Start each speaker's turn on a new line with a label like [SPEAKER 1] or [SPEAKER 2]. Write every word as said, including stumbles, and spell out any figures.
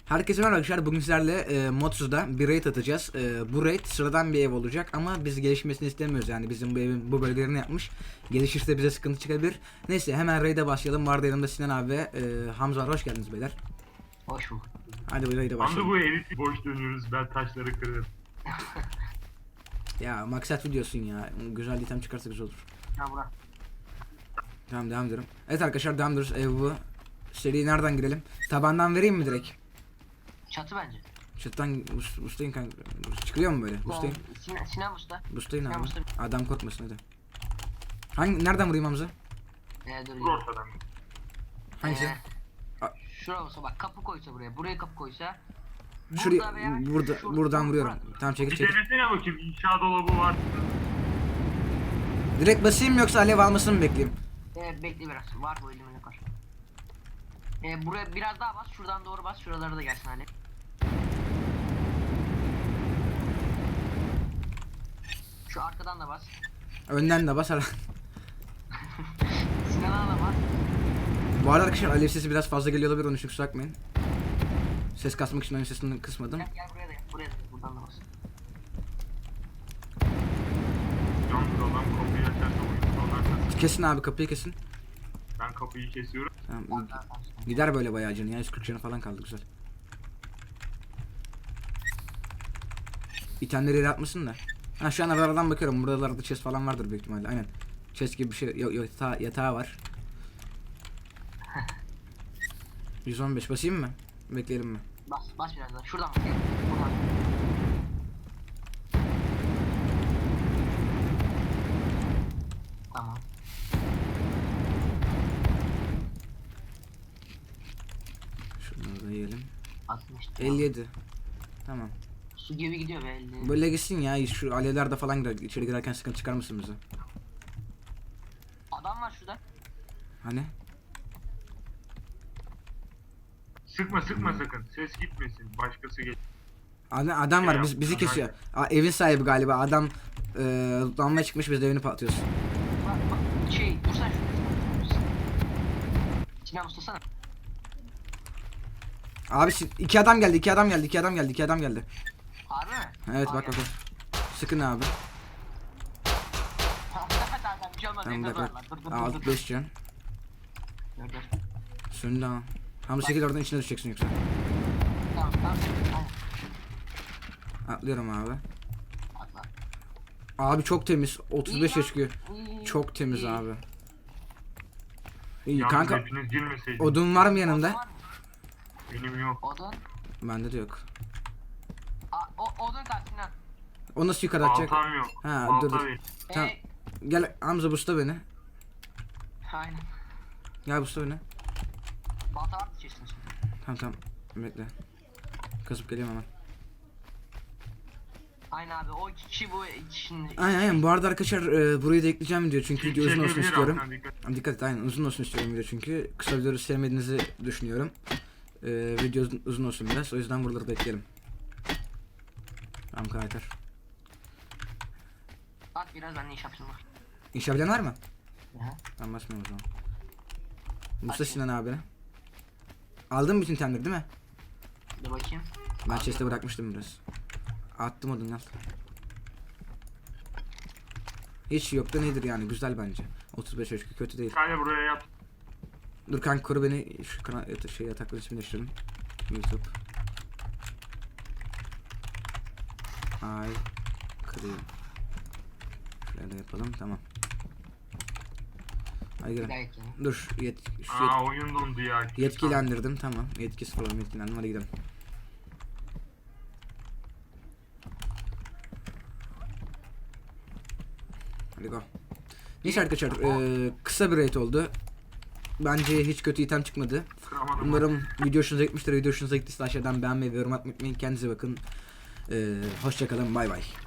[SPEAKER 1] Herkese merhaba arkadaşlar. Bugün sizlerle e, Modsuz'da bir raid atacağız. E, bu raid sıradan bir ev olacak ama biz gelişmesini istemiyoruz. Yani bizim bu evin bu bölgelerini yapmış. Gelişirse bize sıkıntı çıkabilir. Neyse hemen raid'e başlayalım. Vardı yanımda Sinan abi ve e, Hamza var. Hoş geldiniz beyler.
[SPEAKER 2] Hoş bulduk.
[SPEAKER 1] Hadi bu raid'e başlayalım.
[SPEAKER 3] Hamza bu evi boş dönüyoruz, ben taşları kırarım.
[SPEAKER 1] Ya maksat videosun ya. Güzel item çıkarsa güzel olur.
[SPEAKER 2] Ya bura.
[SPEAKER 1] Tamam, devam ediyorum. Evet arkadaşlar, devam ediyoruz. Ev bu. Seri nereden girelim? Tabandan vereyim mi direkt?
[SPEAKER 2] Çatı bence.
[SPEAKER 1] Çatıdan ustayın kanka. Çıkıyor mu böyle? Ustayın.
[SPEAKER 2] Sinan, Sinan Usta.
[SPEAKER 1] Ustayın
[SPEAKER 2] Sinan
[SPEAKER 1] abi.
[SPEAKER 2] Usta.
[SPEAKER 1] Adam korkmasın hadi. Hangi nereden vurayım Hamza?
[SPEAKER 2] Ee, dur.
[SPEAKER 3] Vur ortadan.
[SPEAKER 1] Hangisi?
[SPEAKER 2] Ee, şuraya olsa bak, kapı koysa buraya. Buraya kapı koysa.
[SPEAKER 1] Şuraya
[SPEAKER 2] veya
[SPEAKER 1] burada
[SPEAKER 2] şurada-
[SPEAKER 1] buradan vuruyorum.
[SPEAKER 2] burada.
[SPEAKER 1] Tamam, çekil
[SPEAKER 3] Bir
[SPEAKER 1] çekil.
[SPEAKER 3] denesene bakayım, inşa dolabı var.
[SPEAKER 1] Direkt basayım mı yoksa alev almasını mı bekleyeyim?
[SPEAKER 2] Ee, bekle biraz. Var bu elimine var. Ee, buraya biraz daha bas. Şuradan doğru bas. Şuralara da gelsin Ali. Şu arkadan da bas.
[SPEAKER 1] Önden de bas.
[SPEAKER 2] Sinan'a da bas.
[SPEAKER 1] Bu arada arkadaşlar alev sesi biraz fazla geliyor olabilir, onun için kusura bakmayın. Ses kasmak için oyun sesini kısmadım.
[SPEAKER 2] Gel, gel buraya da gel. Buraya da gel. Buradan da bas.
[SPEAKER 3] Yalnız adam kapıyı açarsa oyun sonlarsa
[SPEAKER 1] Kesin abi, kapıyı kesin.
[SPEAKER 3] ben kapıyı kesiyorum.
[SPEAKER 1] Tamam,
[SPEAKER 2] Tamam, tamam, tamam.
[SPEAKER 1] gider böyle bayağı canı ya, yüz kırk canı falan kaldı, güzel. İtemleri yere atmasın da. Ha, şu an aradan bakıyorum, buralarda chest falan vardır büyük ihtimalle, aynen. Chest gibi bir şey, yok, yatağı, yatağı var. yüz on beş basayım mı? Bekleyelim mi?
[SPEAKER 2] Bas, bas biraz daha. Şuradan bas. Gel. Buradan. Tamam.
[SPEAKER 1] Şunları da yiyelim.
[SPEAKER 2] altmış.
[SPEAKER 1] elli yedi. Tamam.
[SPEAKER 2] Su gibi gidiyor be elli.
[SPEAKER 1] Böyle gitsin ya, şu alevlerde falan girer, içeri girerken sıkıntı çıkar mısın bize?
[SPEAKER 2] Adam var şurada.
[SPEAKER 1] Hani?
[SPEAKER 3] Sıkma sıkma sakın, ses gitmesin, başkası geç.
[SPEAKER 1] Adam, adam var, biz, bizi kesiyor. Aa, evin sahibi galiba, adam eee damlaya çıkmış, biz de evini patlıyoruz.
[SPEAKER 2] Bak bak şey dursan şurada. Sinan ustasana.
[SPEAKER 1] Abi si- iki adam geldi, iki adam geldi, iki adam geldi, iki adam geldi.
[SPEAKER 2] Harbi mi?
[SPEAKER 1] Evet,
[SPEAKER 2] Aa,
[SPEAKER 1] bak bak
[SPEAKER 2] gel.
[SPEAKER 1] bak. Sıkın abi.
[SPEAKER 2] Tamam tamam bir şey olmaz.
[SPEAKER 1] Tamam,
[SPEAKER 2] Evde
[SPEAKER 1] bak
[SPEAKER 2] duvarlar.
[SPEAKER 1] bak.
[SPEAKER 2] Dur dur dur.
[SPEAKER 1] Altı
[SPEAKER 2] dur.
[SPEAKER 1] beş can.
[SPEAKER 2] Dur dur.
[SPEAKER 1] Söndü ha. Hamza çekil oradan, içine düşeceksin yoksa.
[SPEAKER 2] Tamam tamam. Aynen.
[SPEAKER 1] Atlıyorum abi.
[SPEAKER 2] Atla.
[SPEAKER 1] Abi çok temiz. otuz beş
[SPEAKER 2] İyi
[SPEAKER 1] yaş çıkıyor.
[SPEAKER 2] İyi,
[SPEAKER 1] Çok temiz
[SPEAKER 2] iyi.
[SPEAKER 1] abi. İyi
[SPEAKER 3] Yalnız
[SPEAKER 1] kanka.
[SPEAKER 3] hepiniz girmeseydiniz.
[SPEAKER 1] Odun var mı
[SPEAKER 2] Odun
[SPEAKER 1] yanında?
[SPEAKER 2] var mı?
[SPEAKER 3] Benim yok.
[SPEAKER 2] Odun.
[SPEAKER 1] Bende de yok.
[SPEAKER 2] Aa, o, odun kaç Sinan.
[SPEAKER 1] O nasıl yukarı atacak?
[SPEAKER 3] Baltam yok.
[SPEAKER 1] Ha,
[SPEAKER 3] Balta
[SPEAKER 1] dur, dur.
[SPEAKER 3] ver.
[SPEAKER 1] Tamam.
[SPEAKER 2] Ee,
[SPEAKER 1] Gel Hamza, busta beni.
[SPEAKER 2] aynen.
[SPEAKER 1] Gel busta beni.
[SPEAKER 2] Balta var mı içerisinde şimdi?
[SPEAKER 1] Tamam tamam. Bekle. Kasıp geliyorum hemen.
[SPEAKER 2] Aynen abi o iki kişi bu şimdi.
[SPEAKER 1] Aynen aynen. Bu arada arkadaşlar e, burayı da ekleyeceğim diyor çünkü video uzun olsun
[SPEAKER 3] Çekebilir
[SPEAKER 1] istiyorum.
[SPEAKER 3] alttan, dikkat.
[SPEAKER 1] Dikkat et, aynen uzun olsun istiyorum video çünkü kısa videoları sevmediğinizi düşünüyorum. E, video uzun, uzun olsun biraz, o yüzden buraları bekleyelim. Tamam karakter.
[SPEAKER 2] Bak biraz ben ne iş yapayım bak.
[SPEAKER 1] İnşa bilen var mı?
[SPEAKER 2] Aha.
[SPEAKER 1] Ben basmıyorum o zaman. Musa Sinan abi. Aldın mı bütün itemleri değil mi?
[SPEAKER 2] Dur bakayım.
[SPEAKER 1] Ben chest'e bırakmıştım biraz. Attım odun al. Hiç yok da nedir yani, güzel bence. otuz beş ölçü kötü değil.
[SPEAKER 3] Bir tane buraya yap.
[SPEAKER 1] Dur kanka, koru beni, şu kana yata- şey yatakların ismini değiştirelim. YouTube. Ay kırayım. Şuraya da yapalım, tamam. Hadi
[SPEAKER 2] Bir
[SPEAKER 1] gelin.
[SPEAKER 2] daha ekleyelim.
[SPEAKER 1] Dur yet şu yet
[SPEAKER 3] Aa oyun dondu ya.
[SPEAKER 1] yetkilendirdim, tamam. Yetkisi falan yetkilendim, hadi gidelim. Hadi go. Neyse arkadaşlar, eee, kısa bir raid oldu. Bence hiç kötü item çıkmadı.
[SPEAKER 3] Kıramadım.
[SPEAKER 1] Umarım video hoşunuza gitmiştir. Video hoşunuza gittiyse aşağıdan beğenmeyi ve yorum atmayı unutmayın. Kendinize bakın. Ee, hoşça kalın. Bay bay.